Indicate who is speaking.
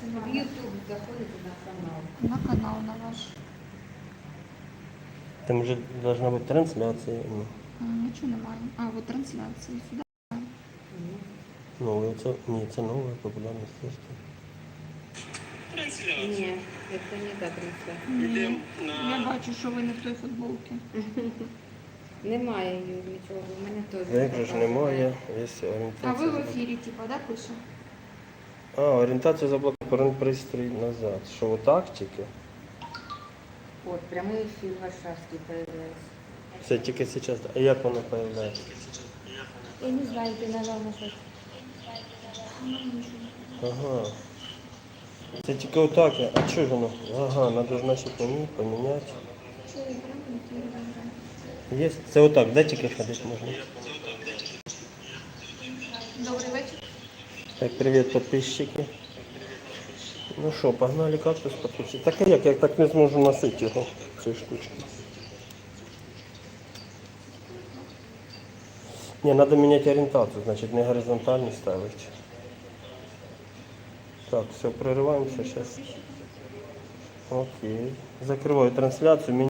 Speaker 1: це
Speaker 2: В
Speaker 1: надо.
Speaker 2: YouTube заходите на канал.
Speaker 1: На канал на ваш.
Speaker 3: Там вже должна бути трансляція. Ну,
Speaker 1: Нічого немає. А, от трансляції сюди.
Speaker 3: нове, це, ні, це нове популярне мистецтво.
Speaker 2: Ні, це не та трансляція.
Speaker 1: Ні. Я бачу, що ви не в той футболці.
Speaker 2: Немає її нічого, в мене теж.
Speaker 3: Як же ж немає, є
Speaker 1: А
Speaker 3: орієнтація.
Speaker 1: ви в ефірі, типа, да, пише?
Speaker 3: Орієнтація заблокувати пристрій назад. Що, отак тільки?
Speaker 2: От, прямий ефір Варшавський появляється.
Speaker 3: Це тільки зараз. А як воно з'являється?
Speaker 2: Я не знаю, ти напевно щось.
Speaker 3: Ага. Це тільки отак. А що ж воно? Ага, треба ж значить поміняти. Є? Це отак, де тільки ходити можна?
Speaker 1: Добрий вечір.
Speaker 3: Так, привіт, підписчики. Ну що, погнали кактус підключити. Так а як? Я так не зможу носити його, цієї штучки. Не, надо менять ориентацию, значит, не горизонтально ставить. Так, все, прерываемся сейчас. Окей. Закрываю трансляцию.